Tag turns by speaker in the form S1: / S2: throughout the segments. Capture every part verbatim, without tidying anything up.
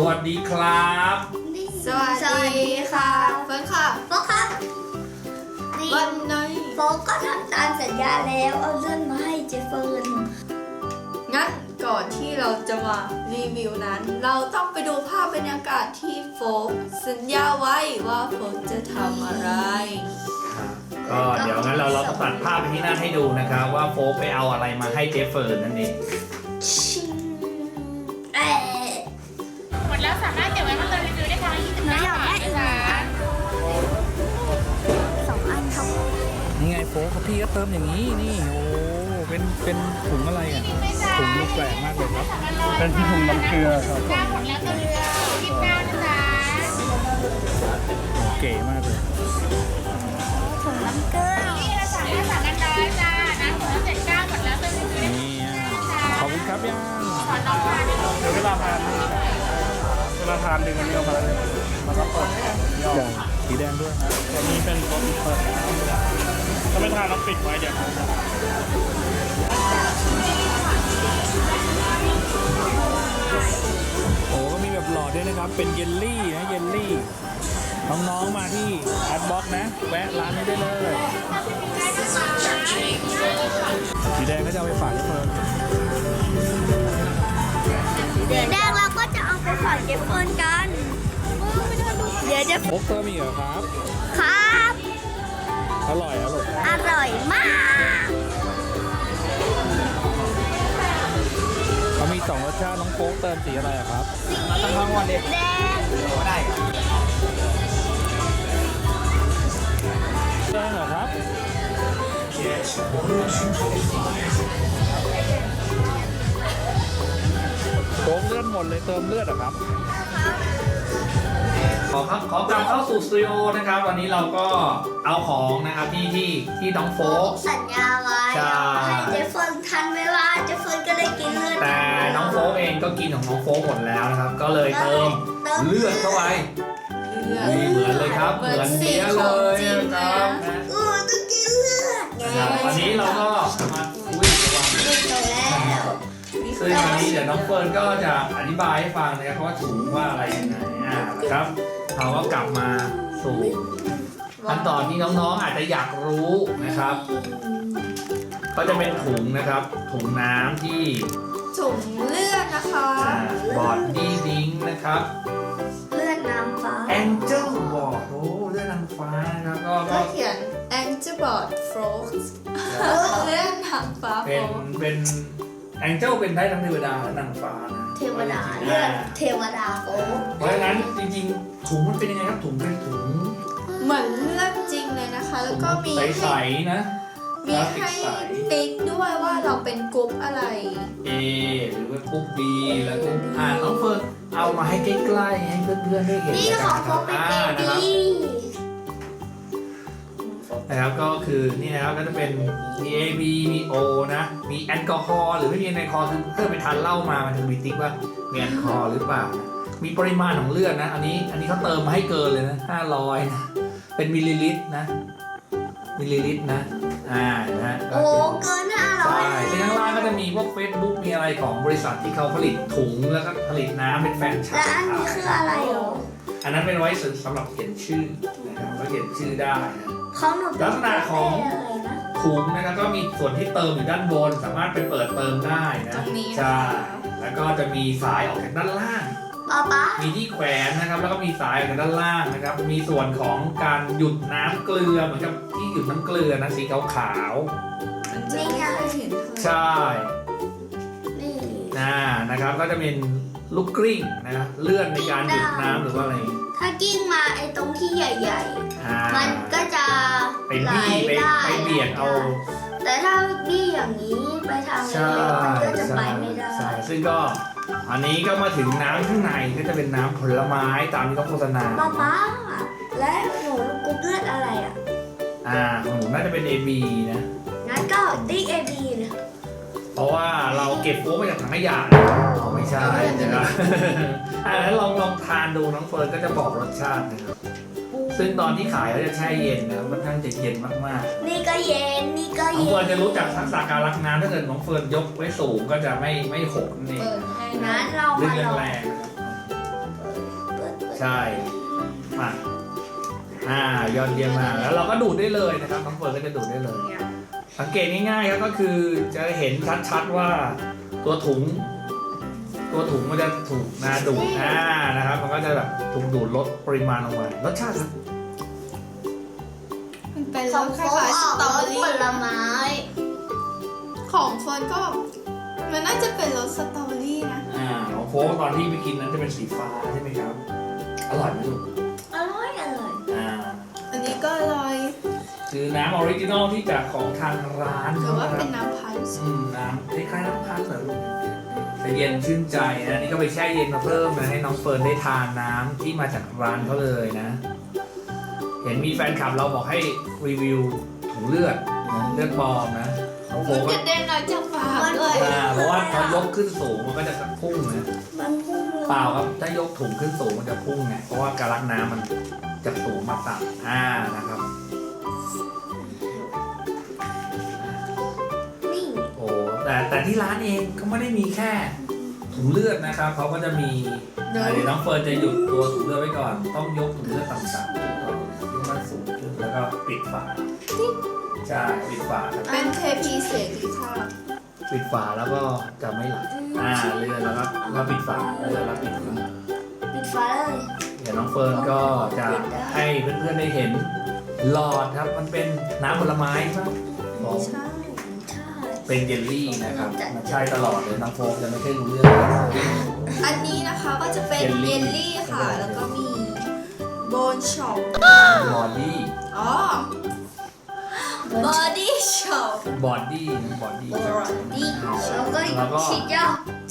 S1: วัสดีครับ
S2: สวัสดีค่ะเฟิร์นค่ะ
S3: โฟกครับ
S2: วันนี้
S3: โฟกก็ทำตามสัญญาแล้วเอาเลื่อนมาให้เจฟเฟิร์น
S2: งั้นก่อนที่เราจะมารีวิวนั้น เราต้องไปดูภาพบรรยากาศที่โฟกสัญญาไว้ว่าโฟกจะทำอะไร
S1: ก็เดี๋ยวงั้นเราเราต้องตัดภาพไปที่หน้าให้ดูนะครับว่าโฟกไปเอาอะไรมาให้เจฟเฟิร์นนั่นเอง
S4: หมดแล้วสามารถเก็บไว้มาเติมรีวิวได้ทางยี่สิบเก้าบาทนะคะ
S3: สองอันครับ
S5: นี่ไงโฟกเขาพี่ก็เติมอย่างนี้นี่โอ้เป็นเป็นถุงอะไรอ่ะถุงดูแปลกมากเลยครับเป็นที่ถุงน้ำเกลือครับ
S4: เก้าหมดแล้วเติมรีวิวยี่สิบเก้านะจ๊ะ
S5: โอ้เก๋มากเลย
S3: ถุงน้ำเกลือ
S4: นี่ละสามห้าสามกันร้อยจ้านะหมดแล้วเจ็ดเก้าหมดแล้วเติมรีวิว
S5: นี่ขอบคุณครับยัง
S4: ขอน้องมาเ
S5: ดี๋ยวเวลาทานเวลาทานดึงอันนี้ออกมาเลยแล้วก็เปิดอย่างสีแดงด้วยนะตัวนี้เป็นรสเปิดถ้าไม่ทานต้องปิดไว้เดี๋ยวโอ้ก็มีแบบหลอดด้วยนะครับเป็นเยลลี่นะเยลลี่น้องๆมาที่อาร์ตบ็อกนะแวะร้านนี้ได้เลยสีแดงก็จะเอาไปฝากเพื่อน
S3: แดงเราก็จะเอาไปฝากเจฟเฟิร์นกันเดี๋ยวจะ
S5: โอ๊กเติมอีกเหรอครับ
S3: ครับ
S5: อร่อยอร่อย
S3: อร่อยมาก
S5: เขามีสองรสชาติน้องโป๊กเติมสีอะไรครับ
S3: สีทั้งวันเด็กแดง
S5: ได้แดงเหรอครับโป๊กเลือดหมดเลยเติมเลือดเหรอครับ
S1: ขอครับขอกลับเข้าสู่สตูดิโอนะครับวันนี้เราก็เอาของนะครับที่ที่ที่น้องโฟก
S3: สัญญาไว้ให้เจฟเฟิร์นทันเวลาเจฟเฟิร์นก็ได้กินเลือด
S1: แต่น้องโฟกเองก็กินของน้องโฟกหมดแล้วนะครับก็เลยเติมเลือดเข้าไปนี่เหมือนเลยครับเหมือนเสียเลยนะครับ
S3: เออต้องกินเลือด
S1: วันนี้เราก็มาคุยกันว่า
S3: แล้ว
S1: ซึ่งวันนี้เดี๋ยวน้องเฟิร์นก็จะอธิบายให้ฟังนะครับว่าถุงว่าอะไรยังไงอ่าครับเราก็กลับมาสู่ขั้นตอนที่น้องๆอาจจะอยากรู้นะครับก็จะเป็นถุงนะครับถุงน้ำที่
S2: ถุงเลือดนะคะ
S1: บอดดี้ดิงนะครับ
S3: เลือดน้ำฟ้า
S1: Angel บอกโอ้เลือดนางฟ้านะครับก็
S2: ก็เขียน Angel Board Frogs เลือดนางฟ้า
S1: เป็นเป็นแองเจิลเป็นได้ทั้งเทวดาและนางฟ้านะ
S3: เทวดาเลือดเทวดาโอ้
S1: เพราะฉะนั้นจริงๆถุงมันเป็นยังไงครับถุงเป็นถุง
S2: เหมือนเลือดจริงเลยนะคะแล้วก็มี
S1: ใสๆนะ
S2: มีให้ติ๊กด้วยว่าเราเป็นกรุ๊ปอะไร
S1: A หรือว่ากรุ๊ป B แล้วกรุ๊ปอ่าน้องเฟิร์นเอามาให้ใกล้ๆให้เพื่อนๆได้เห็น
S3: นี่ของเขาเป็น A B
S1: นะครับก็คือนี่นะครับก็จะเป็นมี A B มี O นะมีแอลกอฮอล์หรือไม่มีแอลกอฮอล์คือเพื่อไปทานเหล้ามามันจะมีติ๊กว่ามีแอลกอฮอล์หรือเปล่ามีปริมาณของเลือดนะอันนี้อันนี้เขาเติมมาให้เกินเลยนะห้าร้อยนะเป็นมิลลิลิตรนะมิลลิลิตรนะอ่านะ
S3: โอ้เกินห้าร้อย
S1: ใช่ที่ข้างล่างก็จะมีพวก Facebook มีอะไรของบริษัทที่เขาผลิตถุงแล้วก็ผลิตน้ำเป็นแฟรนไชส์
S3: และอันนี้คืออะไรหรอ
S1: อันนั้นเป็นไว้สำหรับเขียนชื่อนะครับก็เขียนชื่อได้นะลักษณะของถุงนะครับก็มีส่วนที่เติมอยู่ด้านบนสามารถไปเปิดเติมได้นะใช่แล้วก็จะมีสายออกจากด้านล่างมีที่แขวนนะครับแล้วก็มีสายออกจากด้านล่างนะครับมีส่วนของการหยุดน้ำเกลือเหมือนกับที่หยุดน้ำเกลือนะสีขาว
S2: ๆนี่ไง
S1: ใช่น่านะครับก็จะเป็นลูกกลิ้งนะเลื่อนในการหยุดน้ำหรือว่าอะไร
S3: ถ้ากิ้งมาไอ้ตรงที่ใหญ่ๆมันก็จะ
S1: ไปบี้ไปไปเบียดเอา
S3: แต่ถ้าบี้อย่างนี้ไปทางเล็กๆมันก็จะไปไม่ได้
S1: ซึ่งก็อันนี้ก็มาถึงน้ำข้างในก็จะเป็นน้ำผลไม้ตามที่เขาโฆษณา
S3: ป๊าป๊าและหนูกรุ๊ปเลือดอะไรอ่ะ
S1: อ่าของหนูน่าจะเป็น เอ บี นะ
S3: งั้นก็ติ๊ก เอ บี นะ
S1: เพราะว่าเราเก็บโฟมมาจากถังขยะไม่ใช่นะครับอ่าแล้วลองลองทานดูน้องเฟิร์นก็จะบอกรสชาตินะครับซึ่งตอนที่ขายเขาจะแช่เย็นนะค่อนข้างจะเย็นมาก
S3: ๆนี่ก็เย็นนี่ก็
S1: เย็นน้องเฟิร์นจะรู้จักทักษะการรักน้ำถ้าเกิดน้องเฟิร์นยกไว้สูงก็จะไม่ไม่หกนี่
S3: งั้นเรา
S1: มาลองแรงช่มาอ่ายอดเยี่ยมมากแล้วเราก็ดูดได้เลยนะครับน้องเฟิร์นก็จะดูดได้เลย สังเกตง่ายๆครับก็คือจะเห็นชัดๆว่าตัวถุง ตัวถุงมันจะถูกนาดูดอ่านะครับ มันก็จะแบบถูกดูดลดปริมาณลงไปรสชาติ
S2: มันเป็น
S3: ข
S2: ร
S3: อง
S2: สค
S3: โฟ
S2: ล้ายๆส
S3: ออก
S2: ตรอ
S3: ร
S2: เบอ
S3: ส
S2: รี่
S3: ผลไม้
S2: ของเฟิร์นก็มันน่าจะเป็นรสสตรอเบอรี่นะ
S1: อ่าของโฟกตอนที่ไปกินนั้นจะเป็นสีฟ้าใช่ไหมครับ อร่อยไหมลูก
S3: อร่อยอร่อย
S1: อ่า
S2: อันนี้ก็อร่อย
S1: คือน้ำออริจินอลที่จากของทางร้าน
S2: หรือว่า
S1: ะค
S2: เป็
S1: รับ
S2: นน้ำพันธุ์
S1: อืมน้ำคล้ายๆน้ำพันธุ์เหรอลูกแต่เย็นชื่นใจนะนี่ก็ไปแช่เย็นมาเพิ่มนะให้น้องเฟิร์นได้ทานน้ำที่มาจากร้านเขาเลยนะ เห็นมีแฟนคลับเราบอกให้รีวิวถุงเลือดนะเลือดปลอมนะของโฟ
S2: มัน
S1: ก
S2: กระเด็นออกจากปากด้วย
S1: อ่าเพราะว่าพอยกขึ้นสูงมันก็จะพุ่งนะ
S3: มันพุ่งเลย
S1: เปล่าครับถ้ายกถุงขึ้นสูงมันจะพุ่งไงเพราะว่าการลักน้ำมันจะสูงมาต่ำอ่านะครับ
S3: นี่
S1: โอ้แต่แต่ที่ร้านเองก็ไม่ได้มีแค่ถุงเลือดนะครับเขาก็จะมีเดี๋ยวน้องเฟิร์นจะหยุดตัวถุงเลือดไว้ก่อน ต้องยกถุงเลือดต่ำๆก่อนยกมันสูงขึ้นแล้วก็ปิดฝาใช่ปิดฝาครับ
S2: เป็นเทพีเสรีภาพ
S1: ปิดฝาแล้วก็จะไม่ไหลอ่าเลื่อนแล้วก็แล้วปิดฝาเลื่อนแล้วปิดฝา
S3: ปิดฟ้าเลย
S1: เดี๋ยวน้องเฟิร์นก็จะให้เพื่อนๆได้เห็นหลอดครับมันเป็นน้ำผลไม้ใช่ไหมบอก
S2: ใช่
S3: ใช่
S1: เป็นเยลลี่นะครับมันใช่ตลอดเลยน้องโฟมจะไม่ใช่รู้เรื่อง
S2: อันนี้นะคะก็จะเป็น
S1: เยลลี่
S2: เยลลี่ค่ะ แล้วก็มีโบนช็อป
S1: บอดี้
S2: อ๋อบอดี้ช็อป
S1: บอดี้บอดี้
S3: นี่แล้วก็
S1: แล้วก็
S3: ฉีดยา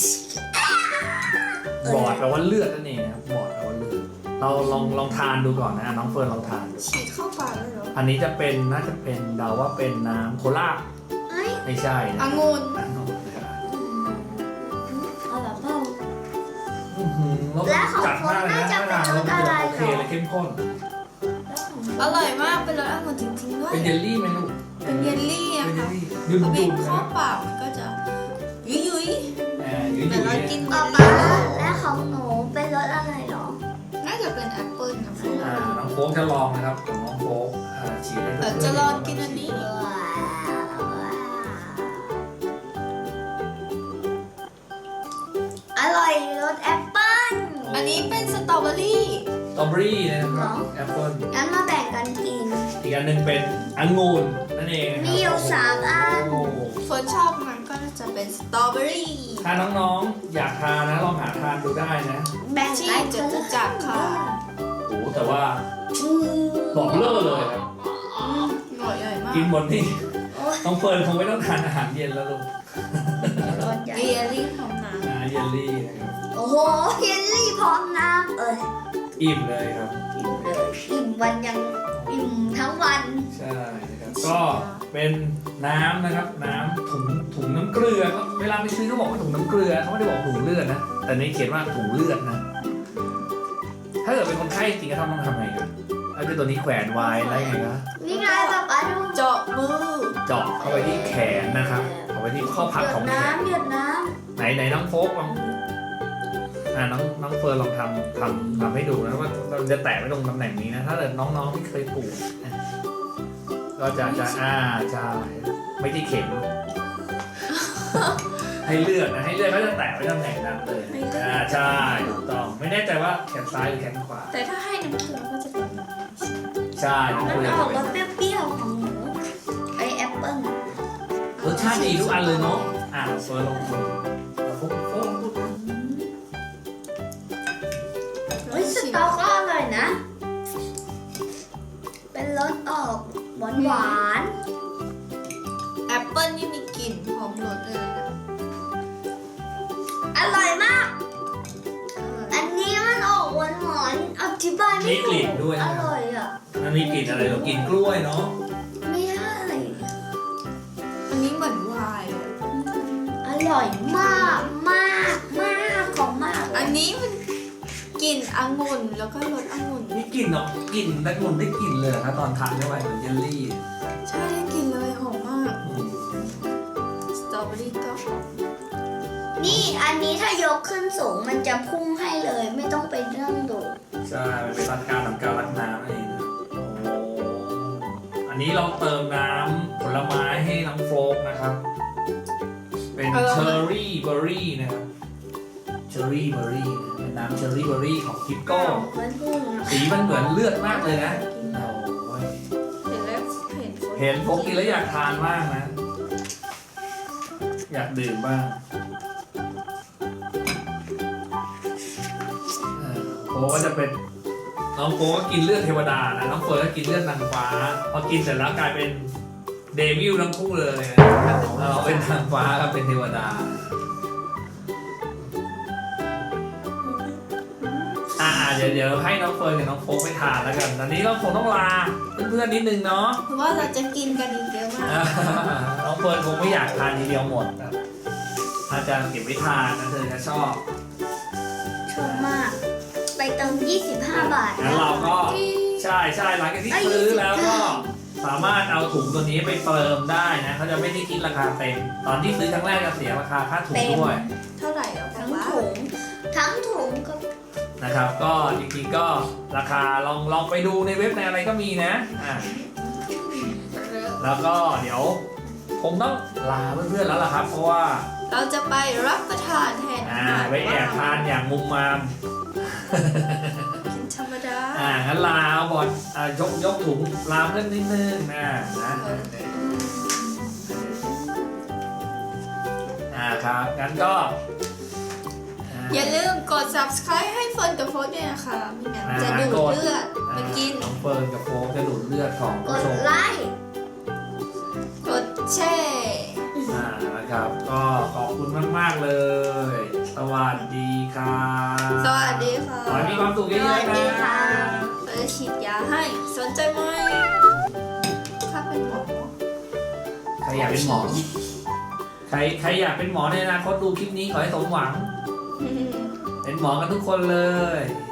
S1: บอดแปลว่าเลือดนั่นเองนะครับบอดแปลว่าเลือดเราลองลองทานดูก่อนนะน้องเฟิร์นลองทานดู
S2: ฉีดเข้าปากเลยเหรอ
S1: อันนี้จะเป็นน่าจะเป็นเดาว่าเป็นน้ำโคลา
S3: เอ้ย
S1: ไม่ใช่นะ
S2: องุ่น
S1: องุ่นนะครับ
S3: เอาแบบเบา
S1: อื้อหือรส
S3: และของ
S1: จัดมากเลยนะ
S3: โฟมน่าจะ
S1: รส
S3: เป็นรสอะไร
S1: โอเคเลยเข้มข้น
S2: อร่อยมากเป็นรสองุ่นจริงๆด้วย
S1: เป็นเยลลี่ไหมลูก
S2: เป็นเยลลี่อะ
S1: เป็นเย
S2: ค่ะ
S1: ลลี่ยุ่น
S2: พอบี
S1: ยุ่
S2: บ
S1: น
S2: เข้า
S1: นะ
S2: ปากมันก็จะยุยยุย
S1: อ่ายุ่ย
S2: แต่
S1: ยุ่
S2: เรา
S1: ย
S2: กินเย
S3: ต่อ
S2: ล
S3: ไป
S2: ลี่
S3: และของหนูเป็นรสอะไรหรอ
S2: น่าจะเป็นแอปเปิลนะฟู
S1: อ่าน้องโฟกจะลองนะครับของน้องโฟกอ่าฉีดให้
S2: แต่
S1: เพื่อนๆ
S2: จะลองกินอันนี้
S3: ว้าวอร่อยรสแอปเปิ้ล
S2: อันนี้เป็นสตรอเบอรี่
S1: สตรอเบอรี่นะครับแอปเปิ้ล
S3: งั้นมาแบ่งกันกิน
S1: อีกอันหนึ่งเป็นองุ่นนั่นเองนะครับ
S3: มีอยู่สามอัน
S1: โอ้
S2: เฟิร์นชอบมันก็จะเป็นสตรอเบอรี่
S1: ถ้าน้องๆอยากทานนะลองหาทานดูได้นะ
S3: แบ่ง
S2: ที่
S3: กัน
S2: จตุจักรค่ะ
S1: โอ้โหแต่ว่า
S3: อืม
S1: บอกเลิกเลยครับ
S2: หน่อยใหญ่มาก
S1: กินหมดนี่
S3: โอ้ย
S1: น้องเฟิร์นคงไม่ต้องทานอาหารเย็นแล้วลูก
S3: รสใหญ่
S2: เยลลี่ของน้
S1: อ่าเยลลี่นะครับ
S3: โอ้โหเยลลี่พร้อมน้ำเอ้ย
S1: อิ่มเลยครับ
S3: อิ่มเลยอิ่มวันยังอิ่มทั้งวัน
S1: ใช่นะครับก็เป็นน้ำนะครับน้ำถุงถุงน้ำเกลือเขาเวลาไปซื้อเขาบอกว่าถุงน้ำเกลือเขาไม่ได้บอกถุงเลือดนะแต่ในเขียนว่าถุงเลือดนะ ถ้าเกิดเป็นคนไข้จริงๆต้องทำไงครับเอาตัวนี้แขวนไว้แล้วยังไงครับ
S3: นี่ไงป๊าป๊าดู
S2: ำเจาะมือ
S1: เจาะเข้าไปที่แขนนะครับเข้าไปที่ข้อพับ
S3: หย
S1: ขอ
S3: ด
S1: งแขน
S3: น้ำหยดน้
S1: ไหนไหนน้องโฟกลองอ่าน้องน้องเฟิร์นลองทำทำทำให้ดูนะว่าเราจะแตะไว้ตรงตำแหน่งนี้นะ ถ้าเกิดน้องๆที่เคยปลูกนะก็จะจะอ่าใช่ไม่ที่เข็ม ให้เลือกนะให้เลือกก็จะแตะไว้ตำแหน่งนั้นเลยอ่าใช่ถูกต้องไม่แน่ใจว่าแขนซ้ายหรือแขนขวา
S2: แต่ถ้าให้น้ำเกลือก็จะเป็นแบบนี้
S1: ใช่น้อง
S3: ำ
S1: เฟิ
S3: มัน
S1: ร์น
S3: ออกรสเปรี้ยวๆของหนูไอแอปเปิ้ล
S1: รสชาติดีทุกอันเลยเนาะอ่าเฟิร์นลองดูโฟกโฟก
S3: เฮ้ยสตอก็อร่อยนะ เป็นรสออกหวานหวาน
S2: แอปเปิ้ลนี่มีกลิ่นหอมรสเลยนะ
S3: ๆอร่อยมาก อันนี้มันออกหวานหวานๆอธิบาย
S1: มี
S3: ไม่
S1: ก
S3: ถู
S1: ลิ่น
S3: ก
S1: ด้วย
S3: อ
S1: นะ
S3: ร่อยอ่ะ
S1: มันมีกลิ่นอะไรเรากลิ่นกล้วยเนาะ
S3: ไม่ใช่
S2: อันนี้เหมือนไวน์อะ
S3: อร่อยมากมากมากของมาก
S2: อันนี้มันกลิ่นองุ่นแล้วก็รสองุ่น
S1: มีกลิ่นเนาะกลิ่นแต่กลิ่นได้กลิ่นเลยนะตอนทานเข้าไปเหมือนเยลลี่
S2: ใช่ได้กลิ่นเลยหอมมาก
S1: อืม
S2: สตรอเบอรี่ก็หอม
S3: นี่อันนี้ถ้ายกขึ้นสูงมันจะพุ่งให้เลย ไม่ต้องไปเรื่องดูด
S1: ใช่ช่มันเป็นรักการทำการรักน้ำนั่นเองนะโอ้อันนี้เราเติมน้ำผลไม้ให้น้องโฟกนะครับ เป็นเชอร์รี่เบอร์รี่นะครับเชอร์รี่เบอร์รี่เป็นน้ำเชอร์รี่เบอร์รี่ของทิปโก้
S3: มันพุ่งอะ
S1: สีมันเหมือนเลือดมากเลยนะโอ้ย
S2: เห็นแล้วเห็น
S1: เห็นโฟกกินแล้วอยากทานมากนะ อยากดื่มบ้างเออโฟกก็จะเป็นน้องโฟกก็กินเลือดเทวดานะน้องเฟิร์นก็กินเลือดนางฟ้าพอกินเสร็จแล้วกลายเป็นเดวิลทั้งคู่เลยนะเราเป็นนางฟ้ากับเป็นเทวดาอ่าเดี๋ยวเดี๋ยวให้น้องเฟิร์นกับน้องโฟกไปทานแล้วกันตอนนี้เราคงต้องลาเพื่อนๆนิดนึงเนาะ
S2: เพราะว่าเราจะกินกันอีกเยอะมาก
S1: น้องเฟิร์นคงไม่อยากทานทีเดียวหมดนะอาจารย์เก็บไว้ทานนะเธอจะชอบ
S3: ชอบมาก ไปเติมยี่สิบห้าบาท
S1: งั้นเราก็ใช่ใช่หลังจากที่ซื้อแล้วก็สามารถเอาถุงตัวนี้ไปเติมได้นะเขาจะไม่ได้คิดราคาเต็มตอนที่ซื้อครั้งแรกจะเสียราคาค่าถุงด้วย
S2: เท่าไหร่แล้ว
S3: ทั้ง
S2: วะ
S3: ถุงทั้งถุงก็
S1: นะครับ ก็จริงๆก็ราคาลองลองไปดูในเว็บในอะไรก็มีนะอ่าแล้วก็เดี๋ยวคงต้องลาเพื่อนๆแล้วล่ะครับ เพราะว่า
S2: เราจะไปรับประทานแทนอา
S1: อ่า
S2: หาร
S1: ไปแอบทานอย่างมุมมาม
S2: กินธรรมดา
S1: อ่างั้นลาเอาบอลอ่ายกยกถุงลาเพื่อนนิดนึงนะนะอ่าครับงั้นก็อ่า
S2: อย่าลืมกด subscribe ให้เฟิร์นกับโฟร์ด้วยนะคะไม่งั้น
S1: อ่า
S2: จะดูด
S1: กด
S2: เลือดมากิน
S1: น้องเฟิร์นกับโฟกจะดูดเลือดของ
S3: ก
S1: ผู้
S3: ด
S1: ชม
S3: ไลค์
S2: กดแชร์
S1: อ่านะครับ ก็ขอบคุณมาก ๆ เลย สวัสดีครับ
S2: สวัสดีค่ะ
S1: ขอให้มีความสุขเยอะๆ
S3: สวัสดี
S1: นะ
S3: ค่ะ
S2: เราจะฉีดยาให้สนใจไหมถ้าเป็นหมอ
S1: ใครอยากเป็นหมอ ใครใครอยากเป็นหมอในอนาคตดูคลิปนี้ขอให้สมหวัง เป็นหมอกันทุกคนเลย